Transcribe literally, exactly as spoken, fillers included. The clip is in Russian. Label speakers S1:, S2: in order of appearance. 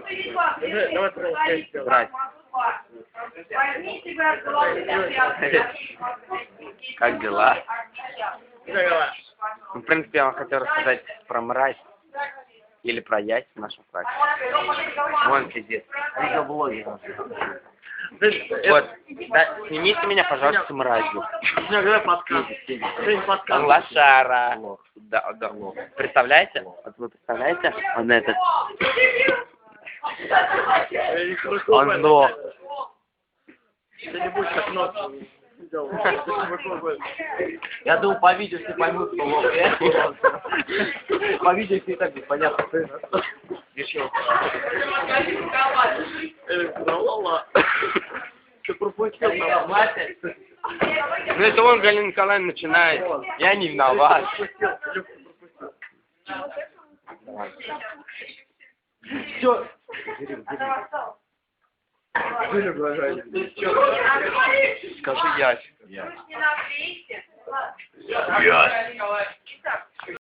S1: Брать. Как дела? Ну, в принципе, я вам хотел рассказать про мразь. Или про яйца в нашем фраке. Вон пиздец. Видеоблоги. Вот. Да, снимите меня, пожалуйста, мразью. Он лошара. Да, да. Представляете? Вот вы представляете? Он этот. Он лох.
S2: Я думал, по видео все поймут, что лох. По видео все и так будет понятно. Решил. Ты пропустил там, мать?
S1: Ну это он, Галина Николаевна, начинает. Я не виноват.
S2: Все.
S1: Скажи ящик.